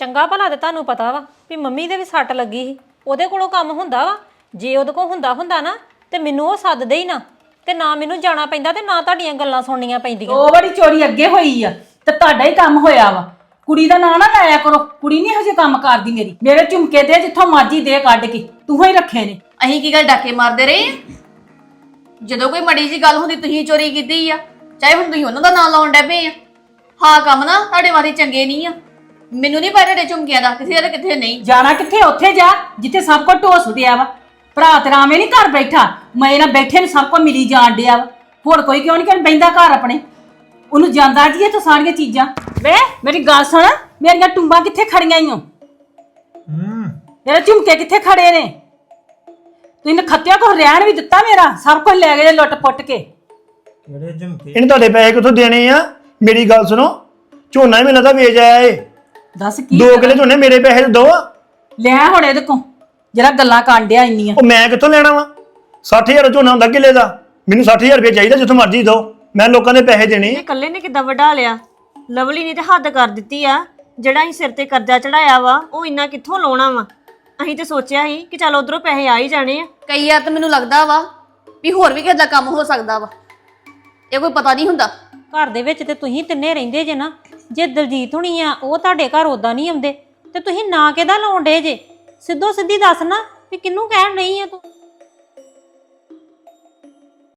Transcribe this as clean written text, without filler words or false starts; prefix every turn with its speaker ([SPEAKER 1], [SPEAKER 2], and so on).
[SPEAKER 1] ਚੰਗਾ ਭਲਾ ਤੇ ਤੁਹਾਨੂੰ ਪਤਾ ਵਾ ਵੀ ਮੰਮੀ ਦੇ ਵੀ ਸੱਟ ਲੱਗੀ ਸੀ, ਉਹਦੇ ਕੋਲੋਂ ਕੰਮ ਹੁੰਦਾ ਵਾ। ਜੇ ਉਹਦੇ ਕੋਲ ਹੁੰਦਾ ਨਾ ਤੇ ਮੈਨੂੰ ਉਹ ਸੱਦਦੇ ਹੀ ਨਾ, ਤੇ ਨਾ ਮੈਨੂੰ ਜਾਣਾ ਪੈਂਦਾ ਤੇ ਨਾ ਤੁਹਾਡੀਆਂ ਗੱਲਾਂ ਸੁਣਨੀਆਂ ਪੈਂਦੀਆਂ।
[SPEAKER 2] ਉਹ ਬੜੀ ਚੋਰੀ ਅੱਗੇ ਹੋਈ ਆ ਤੇ ਤੁਹਾਡਾ ਹੀ ਕੰਮ ਹੋਇਆ ਵਾ। ਕੁੜੀ ਦਾ ਨਾਂ ਨਾ ਲਾਇਆ ਕਰੋ, ਕੁੜੀ ਨਹੀਂ ਹਜੇ ਕੰਮ ਕਰਦੀ ਮੇਰੀ। ਮੇਰੇ ਝੁਮਕੇ ਦੇ ਜਿੱਥੋਂ ਮਰਜੀ ਦੇ ਕੱਢ ਕੇ, ਤੂੰ ਹੀ ਰੱਖੇ ਨੇ।
[SPEAKER 3] ਅਸੀਂ ਕੀ ਗੱਲ ਡਾਕੇ ਮਾਰਦੇ ਰਹੇ ਆ? ਜਦੋਂ ਕੋਈ ਮੜੀ ਜੀ ਗੱਲ ਹੁੰਦੀ ਤੁਸੀਂ ਚੋਰੀ ਕੀਤੀ ਆ, ਚਾਹੇ ਹੁਣ ਤੁਸੀਂ ਉਹਨਾਂ ਦਾ ਨਾਂ ਲਾਉਣ ਡੈ ਪਏ ਆ। ਹਾਂ ਕੰਮ ਨਾ ਤੁਹਾਡੇ ਵਾਰੀ ਚੰਗੇ ਨਹੀਂ ਆ। ਮੈਨੂੰ ਨਹੀਂ ਪਤਾ ਤੁਹਾਡੇ ਝੁਮਕਿਆਂ ਦਾ ਕਿੱਥੇ ਆ ਤੇ ਕਿੱਥੇ ਨਹੀਂ।
[SPEAKER 2] ਜਾਣਾ ਕਿੱਥੇ? ਉੱਥੇ ਜਾ ਜਿੱਥੇ ਸਭ ਕੁਝ ਢੋਸ ਉਡਿਆ ਵਾ। ਭਰਾ ਤੇਰਾ ਐਵੇਂ ਨਹੀਂ ਘਰ ਬੈਠਾ, ਮੈਂ ਨਾ ਬੈਠੇ ਨੂੰ ਸਭ ਕੁਝ ਮਿਲੀ ਜਾਣ ਡਿਆ ਵਾ। ਹੋਰ ਕੋਈ ਕਿਉਂ ਨਹੀਂ ਬਹਿੰਦਾ ਘਰ ਆਪਣੇ? ਉਹਨੂੰ ਜਾਂਦਾ ਜੀ ਇਹ ਤਾਂ ਸਾਰੀਆਂ ਚੀਜ਼ਾਂ। ਵੇ ਮੇਰੀ ਗੱਲ ਸੁਣ, ਮੇਰੀਆਂ ਟੁੰਬਾਂ ਕਿੱਥੇ ਖੜੀਆਂ ਈਓ? ਮੇਰੇ ਝੁਮਕੇ ਕਿੱਥੇ ਖੜੇ ਨੇ? ਤੁਸੀਂ ਨਖੱਤਿਆ ਕੋ ਰਹਿਣ ਵੀ ਦਿੱਤਾ ਮੇਰਾ, ਸਭ ਕੁਝ ਲੈ ਗਏ ਲੁੱਟ ਪੁੱਟ ਕੇ।
[SPEAKER 4] ਇਹਨੇ ਤੁਹਾਡੇ ਪੈਸੇ ਕਿੱਥੋਂ ਦੇਣੇ ਆ? ਮੇਰੀ ਗੱਲ ਸੁਣੋ, ਝੋਨਾ ਹੀ ਮੈਨੂੰ ਲੱਗਦਾ ਵੇਚ ਆਇਆ ਏ।
[SPEAKER 2] ਦੱਸ ਕੀ
[SPEAKER 4] 2 ਕਿੱਲੇ ਝੋਨੇ ਮੇਰੇ ਪੈਸੇ ਤੇ ਦੋ।
[SPEAKER 2] ਲੈ ਹੁਣ ਇਹਦੇ ਕੋ ਜਿਹੜਾ ਗੱਲਾਂ ਕਾਂਡਿਆ ਇੰਨੀਆਂ।
[SPEAKER 4] ਉਹ ਮੈਂ ਕਿੱਥੋਂ ਲੈਣਾ ਵਾ? 60,000 ਝੋਨਾ ਹੁੰਦਾ ਕਿੱਲੇ ਦਾ। ਮੈਨੂੰ 60,000 ਰੁਪਏ ਚਾਹੀਦਾ, ਜਿੱਥੋਂ ਮਰਜ਼ੀ ਦੋ। ਮੈਂ ਲੋਕਾਂ ਦੇ ਪੈਸੇ ਦੇਣੇ।
[SPEAKER 5] ਇਹ ਇਕੱਲੇ ਨੇ ਕਿੱਦਾਂ ਵਢਾ ਲਿਆ? ਲਵਲੀ ਨੇ ਤੇ ਹੱਦ ਕਰ ਦਿੱਤੀ ਆ। ਜਿਹੜਾ ਅਸੀਂ ਸਿਰ ਤੇ ਕਰਜ਼ਾ ਚੜਾਇਆ ਵਾ ਉਹ ਇੰਨਾ ਕਿੱਥੋਂ ਲਾਉਣਾ ਵਾ? ਅਸੀਂ ਤੇ ਸੋਚਿਆ ਸੀ ਕਿ ਚੱਲ ਉਧਰੋਂ ਪੈਸੇ ਆ ਹੀ ਜਾਣੇ ਆ।
[SPEAKER 3] ਕਈ ਵਾਰ ਤਾਂ ਮੈਨੂੰ ਲੱਗਦਾ ਵਾ ਵੀ ਹੋਰ ਵੀ ਕਿਸੇ ਦਾ ਕੰਮ ਹੋ ਸਕਦਾ ਵਾ, ਇਹ ਕੋਈ ਪਤਾ ਨਹੀਂ ਹੁੰਦਾ।
[SPEAKER 1] ਘਰ ਦੇ ਵਿੱਚ ਤੇ ਤੁਸੀਂ ਤਿੰਨੇ ਰਹਿੰਦੇ ਜੇ ਨਾ। ਜੇ ਦਲਜੀਤ ਹੁਣੀ ਆ ਉਹ ਤੁਹਾਡੇ ਘਰ ਉਦਾਂ ਨਹੀਂ ਆਉਂਦੇ ਤੇ ਤੁਸੀਂ ਨਾ ਕਿਹਦਾ ਲਾਉਣ ਡੇ ਜੇ? ਸਿੱਧੋ ਸਿੱਧੀ ਦੱਸ ਨਾ ਵੀ ਕਿਹਨੂੰ ਕਹਿਣ ਨਹੀਂ ਆ ਤੂੰ।